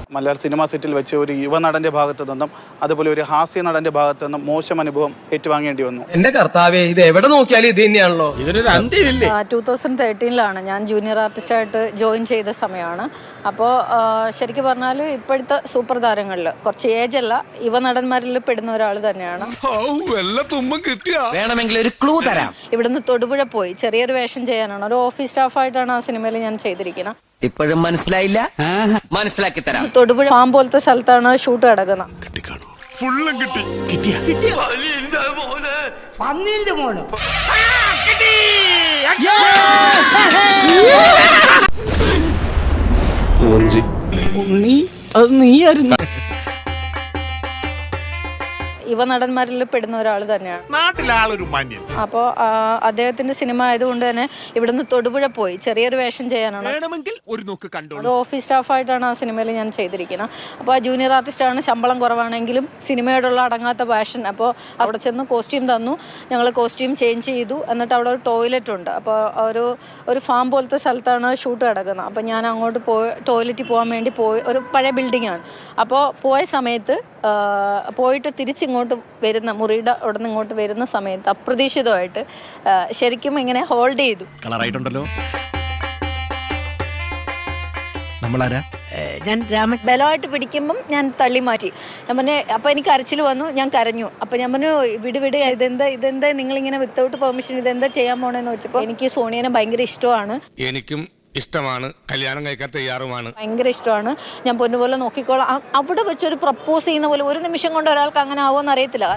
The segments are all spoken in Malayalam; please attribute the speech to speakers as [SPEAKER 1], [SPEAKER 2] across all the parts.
[SPEAKER 1] മലയാള സിനിമാ സെറ്റിൽ വെച്ച് ഒരു യുവനടന്റെ ഭാഗത്തു നിന്നും അതുപോലെ ഒരു ഹാസ്യ നടന്റെ ഭാഗത്തു നിന്നും മോശം അനുഭവം ഏറ്റുവാങ്ങേണ്ടി വന്നു.
[SPEAKER 2] എന്റെ കർത്താവേ, ഇത് എവിടെ നോക്കിയാലും ഇത് തന്നെയാണല്ലോ.
[SPEAKER 3] 2013 ഞാൻ ജൂനിയർ ആർട്ടിസ്റ്റായിട്ട് ജോയിൻ ചെയ്ത സമയമാണ്. അപ്പോൾ ശരിക്കും പറഞ്ഞാൽ ഇപ്പോഴത്തെ സൂപ്പർ താരങ്ങളിൽ കുറച്ച് ഏജ് അല്ല, യുവനടന്മാരിൽ പെടുന്ന ഒരാൾ തന്നെയാണ്.
[SPEAKER 4] വേണമെങ്കിൽ ഒരു ക്ലൂ തരാം.
[SPEAKER 3] ഇവിടുന്ന് തൊടുപുഴ പോയി ചെറിയൊരു വേഷം ചെയ്യാനാണ്, ഒരു ഓഫീസ് സ്റ്റാഫായിട്ടാണ് ആ സിനിമയിൽ ഞാൻ ചെയ്തിരിക്കുന്നത്.
[SPEAKER 4] ഇപ്പോഴും മനസ്സിലായില്ല? മനസ്സിലാക്കി തരാം.
[SPEAKER 3] തൊടുപുഴ ഫാം പോലത്തെ സ്ഥലത്താണ് ഷൂട്ട് കിടക്കുന്നത്. യുവനടന്മാരിൽ പെടുന്ന ഒരാൾ തന്നെയാണ്. അപ്പോൾ അദ്ദേഹത്തിന്റെ സിനിമ ആയതുകൊണ്ട് തന്നെ ഇവിടുന്ന് തൊടുപുഴ പോയി ചെറിയൊരു വേഷം ചെയ്യാനാണ്, ഒരു ഓഫീസ് സ്റ്റാഫായിട്ടാണ് ആ സിനിമയിൽ ഞാൻ ചെയ്തിരിക്കുന്നത്. അപ്പോൾ ആ ജൂനിയർ ആർട്ടിസ്റ്റാണ്, ശമ്പളം കുറവാണെങ്കിലും സിനിമയോടുള്ള അടങ്ങാത്ത പാഷൻ. അപ്പോൾ അവിടെ ചെന്ന് കോസ്റ്റ്യൂം തന്നു, ഞങ്ങൾ കോസ്റ്റ്യൂം ചേഞ്ച് ചെയ്തു. എന്നിട്ട് അവിടെ ഒരു ടോയ്ലറ്റ് ഉണ്ട്. അപ്പോൾ ഒരു ഫാം പോലത്തെ സ്ഥലത്താണ് ഷൂട്ട് കിടക്കുന്നത്. അപ്പോൾ ഞാൻ അങ്ങോട്ട് ടോയ്ലറ്റിൽ പോകാൻ വേണ്ടി ഒരു പഴയ ബിൽഡിങ്ങാണ്. അപ്പോൾ പോയ സമയത്ത് പോയിട്ട് തിരിച്ചിങ്ങോട്ട് വരുന്ന മുറിയുടെ അവിടെ നിന്ന് ഇങ്ങോട്ട് വരുന്ന സമയത്ത് അപ്രതീക്ഷിതമായിട്ട് ശരിക്കും ഇങ്ങനെ ഹോൾഡ് ചെയ്തു. ബലമായിട്ട് പിടിക്കുമ്പം ഞാൻ തള്ളി മാറ്റി. ഞാൻ പറഞ്ഞു, അപ്പം എനിക്ക് കരച്ചിൽ വന്നു, ഞാൻ കരഞ്ഞു. അപ്പം ഞാൻ പറഞ്ഞു, വിട് ഇതെന്താ നിങ്ങളിങ്ങനെ വിത്തൗട്ട് പെർമിഷൻ ഇതെന്താ ചെയ്യാൻ പോണെന്ന് വെച്ചപ്പോൾ എനിക്ക് സോണിയനെ ഭയങ്കര ഇഷ്ടമാണ്.
[SPEAKER 5] എനിക്കും ഇഷ്ടമാണ്, കല്യാണം കഴിക്കാൻ തയ്യാറുമാണ്,
[SPEAKER 3] ഭയങ്കര ഇഷ്ടമാണ്. ഞാൻ പൊന്നുപോലെ നോക്കിക്കോളാം. അവിടെ വെച്ചൊരു പ്രപ്പോസ് ചെയ്യുന്ന പോലെ ഒരു നിമിഷം കൊണ്ട് ഒരാൾക്ക് അങ്ങനെ ആവുമെന്ന് അറിയത്തില്ല.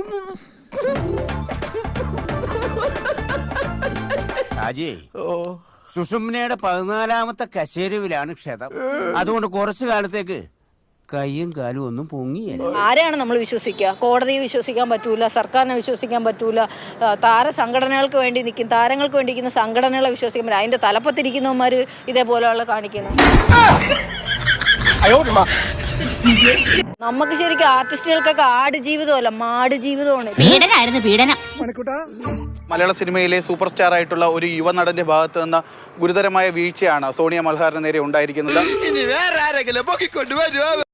[SPEAKER 6] സുഷുമ്നയുടെ 14ാമത്തെ കശേരുവിലാണ് ക്ഷതം. അതുകൊണ്ട് കുറച്ചു കാലത്തേക്ക് കയ്യും കാലും ഒന്നും പൊങ്ങിയല്ല.
[SPEAKER 3] ആരെയാണ് നമ്മൾ വിശ്വസിക്കുക? കോടതിയെ വിശ്വസിക്കാൻ പറ്റൂല, സർക്കാരിനെ വിശ്വസിക്കാൻ പറ്റൂല, സംഘടനകൾക്ക് വേണ്ടി നിൽക്കും, താരങ്ങൾക്ക് വേണ്ടി നിൽക്കുന്ന സംഘടനകളെ വിശ്വസിക്കാൻ പറ്റില്ല. അതിന്റെ തലപ്പത്തിരിക്കുന്നവന്മാർ ഇതേപോലെയുള്ള കാണിക്കുന്നു. നമുക്ക് ശരിക്കും ആർട്ടിസ്റ്റുകൾക്കൊക്കെ ആട് ജീവിതമല്ല, മാട് ജീവിതമാണ്.
[SPEAKER 1] മലയാള സിനിമയിലെ സൂപ്പർ സ്റ്റാർ ആയിട്ടുള്ള ഒരു യുവനടന്റെ ഭാഗത്ത് നിന്ന് ഗുരുതരമായ വീഴ്ചയാണ് സോണിയ മൽഹാറിന് നേരെ ഉണ്ടായിരിക്കുന്നത്.